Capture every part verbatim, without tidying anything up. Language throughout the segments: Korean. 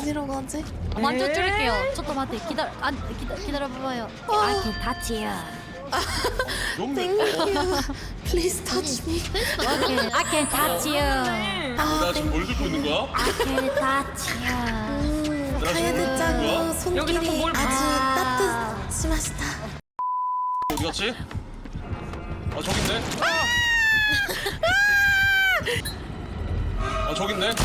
어디로 가지? 먼저 줄게요. 저도 맞대. 기다려. 안 기다 기다려봐요. I can touch you. Thank you. Please touch me. Okay. I can touch you. 아, 나 지금 뭘 들고 있는 거야? I can touch you. 음, 나 지금 카에드짱 뭐야? 손길이 뭘 봐. 아주 아. 따뜻하시다. 어디 갔지? 아 저기 있네. 아 저기 있네.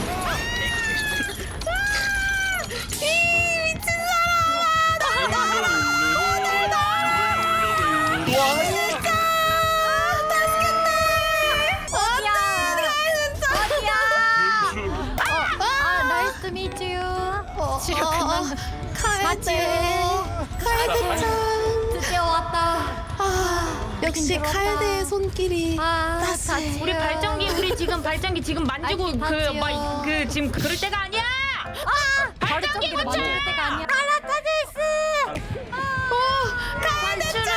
이 미친 사람! 어디야? 어디야? 아, nice to meet you. 치료 끝났네. 카에드, 카에드짱. 드디어 왔다. 아, 역시 힘들었다. 카에드의 손길이 아, 따스해. 다시. 우리 발전기 우리 지금 발전기 지금 만지고 아이, 그 맞지요. 막 그 지금 그럴 때가 아니야. 아, 발전기를 고쳐! 만질 때가 아니야. 카라타데스. 카에드짱!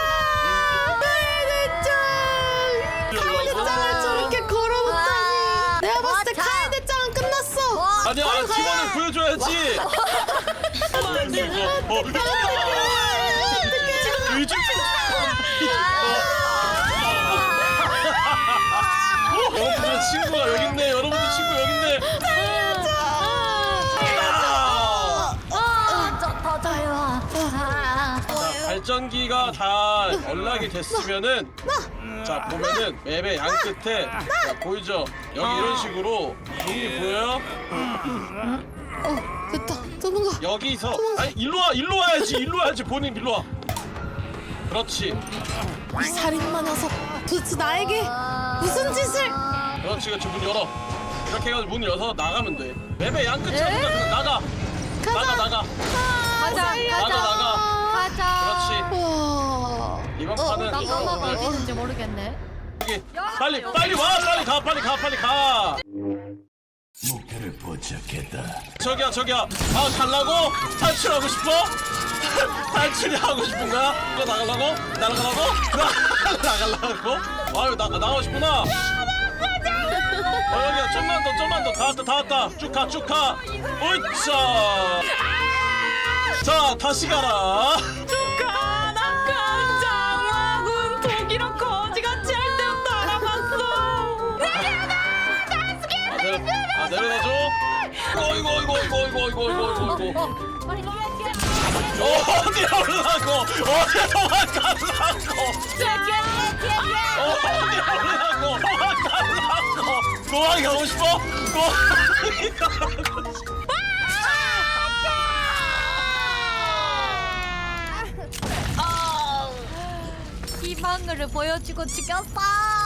카에드짱을 저렇게 걸어놓다니. 내가 봤을 때 카에드짱은 끝났어. 아니야 팀원을 보여줘야지. 어, 이거, 어, 요즘 여러분들 친구가 여기 있네. 여러분들 친구 여기 있네. 아! 아, 저 터져요. 아, 자, 발전기가 다 연락이 됐으면은 자 보면은 맵의 양 끝에 자, 보이죠? 여기 이런 식으로 종이 보여요? 어, 됐다. 도망가. 여기서 아니 일로 와 일로 와야지 일로 와야지 본인 일로 와. 그렇지 이 살인마 녀석. 도대체 나에게 무슨 짓을? 그렇지 그렇지 문 열어. 이렇게 해가지고 문 열어서 나가면 돼. 맵의 양 끝에 그냥 그냥 나가. 나가 나가. 가자, 나가 가자. 나가. 가자. 그렇지. 와. 이번 어, 판은 나가마가 어, 어디 있는지 모르겠네. 여기 빨리 빨리 와 빨리 가 빨리 가 빨리 가. 목표를 포착했다. 저기야 저기야 아 갈라고? 탈출하고 싶어? 탈출이 하고 싶은 거야? 이거 나가려고? 나가려고? 나, 나가려고? 아유 나, 나가고 싶구나 어 여기야 좀만 더 좀만 더 다 왔다 다 왔다 쭉 가 쭉 가 으쌰 자 다시 가라 가나간 장화군 독이랑 거지같이 할 때부터 알아봤어. 아, 내려, 아 내려다줘 어이구 어이구 어이구 어이구 어이구 어이구 어이구 어, 빨리 뛰어, 뛰어. 어디 올라고 어디 도망가려고 어, 어디 올라고 도망가려고 도망가고 싶어? 도망가고 싶어? 희망을 보여주고 죽였어.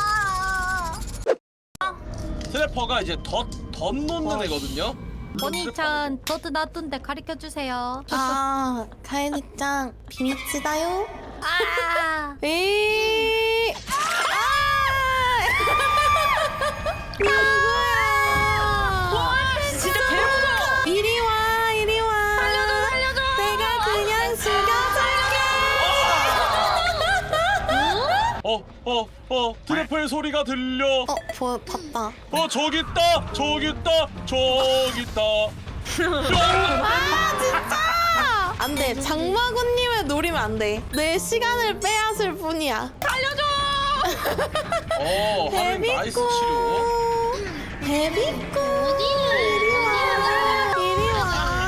트래퍼가 이제 덧, 덧 놓는 애거든요? 본인찬 더드 놔둔데 가르쳐 주세요. 아, 카에드짱 비밀치다요? 아, 에이. 아! 누구야? 진짜 개무서워. 이리 와, 이리 와. 살려줘, 살려줘. 내가 그냥 죽여줄게. 어, 어, 어, 트래퍼의 소리가 들려 어, 보, 봤다. 어, 저기 있다! 저기 있다! 저기 있다! 뿅! 아, 진짜! 안 돼. 장마군님을 노리면 안 돼. 내 시간을 빼앗을 뿐이야. 어, 하는 나이스 치료 베비꼬. 이리 와. 이리 와.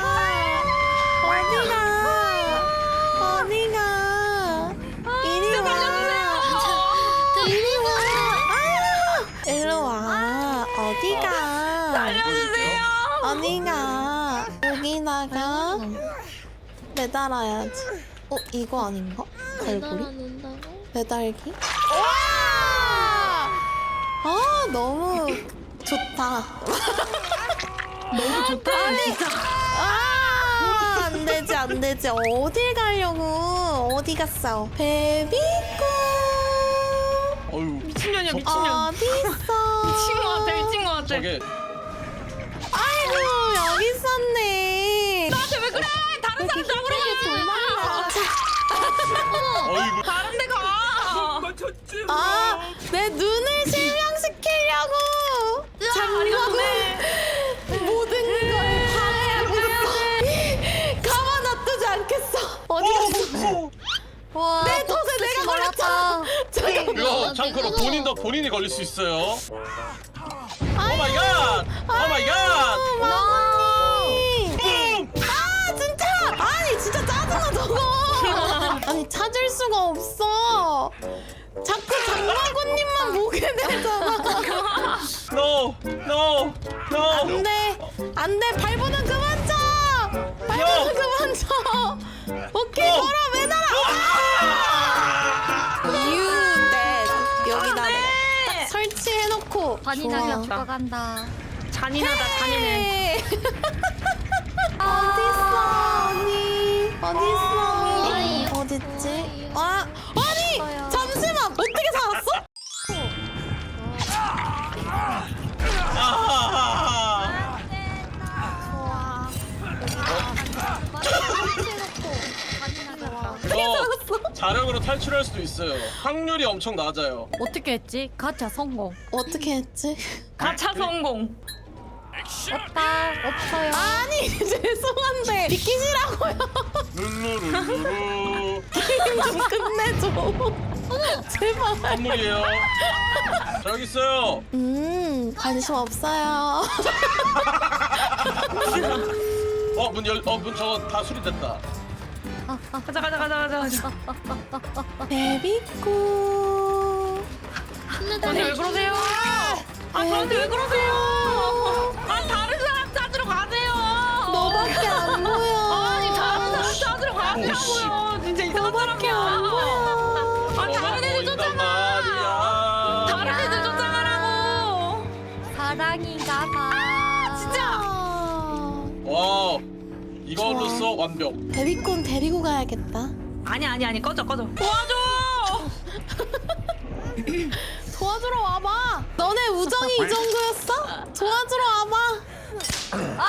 어디가? 어디가? 이리 와. 이리 와. 아! 일로 와. 어디가? 살려주세요. 어디가? 여기다가 매달아야지. 어, 이거 아닌가? 갈고리? 매달기? 와! 아, 너무 좋다. 너무 좋다 진짜. 아, 안 되지, 안 되지. 어딜 가려고? 어디 갔어? 베비꼬. 어휴 미친년이야 저- 미친년. 어디 있어? 미친 거 같아 미친 거 같아. 저게 아이고, 여기 있었네. 나한테 왜 그래? 다른 사람 잡으러 가. 어이구 다른 데 가. 아, 내 눈을 실명시키려고. 장관의 모든 걸 파괴하고 와, 내 덫에 내가 걸렸잖아. 이거 참고로 본인도 본인이 걸릴 수 있어요. 오 마이 갓! 오 마이 갓! 마고님. 뿜! 아 진짜. 아니 진짜 짜증나 저거. 아니 찾을 수가 없어. 자꾸 장마고님만 보게 되잖아. No! No! No! 안돼 안돼 발버둥 그만 쳐. 발버둥 그만 쳐. 오케이 어. 걸어 매달아. You dead. 여기다 내가 딱 설치해놓고. 잔인하게 좋아. 죽어간다. 잔인하다 잔인해. 어딨어 언니 어딨어 아이. 어딨지? 아 아니 있어요. 잠시만 어떻게 살았어? 아하하하. 좋아. 너 자력으로 탈출할 수도 있어요. 확률이 엄청 낮아요. 어떻게 했지? 가차 성공. 어떻게 했지? 가차 성공. 없다. 없어요. 아니 죄송한데 비키시라고요. 룰루룰루루. 게임 좀 끝내줘. 제발. 선물이에요. 저기 있어요. 음 관심 없어요. 어, 문 열, 어, 문 저거 다 수리됐다. 가자 가자 가자 가자 가자. 베비꼬. 아니 왜 그러세요? 아 저한테 왜 그러세요? 아 다른 사람 찾으러 가세요. 너밖에 안 보여. 아니 다른 사람 찾으러 가시라고요. 진짜 이상한 너밖에 안 사람이야. 보여. 아 다른 애들 보인단 쫓아가. 말이야. 다른 애들 쫓아가라고. 사랑인가 봐. 진짜. 와, 이걸로써 완벽. 베비콘 데리고 가야겠다. 아니 아니 아니 꺼져 꺼져. 도와줘. 도와주러 와봐. 너네 우정이 이 정도였어? 도와주러 와봐. 아!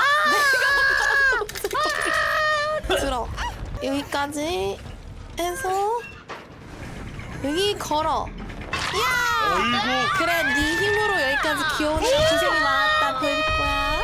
내가 들어. 여기까지 해서 여기 걸어. 야! 어이구. 그래, 네 힘으로 여기까지 귀여우니까 고생이 많았다, 베비꼬야.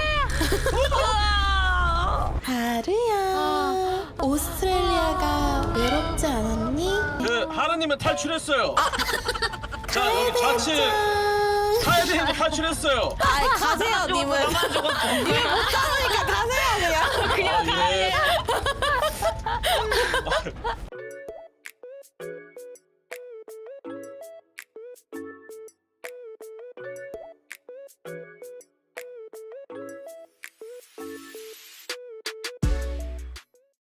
하루야. 오스트레일리아가 외롭지 않았니? 그 하나님은 탈출했어요. 자, 여기 좌측 짠. 카에드님도 탈출했어요. 아이 가세요 님은. 님을 못 잡으니까 가세요 그냥. 아, 예.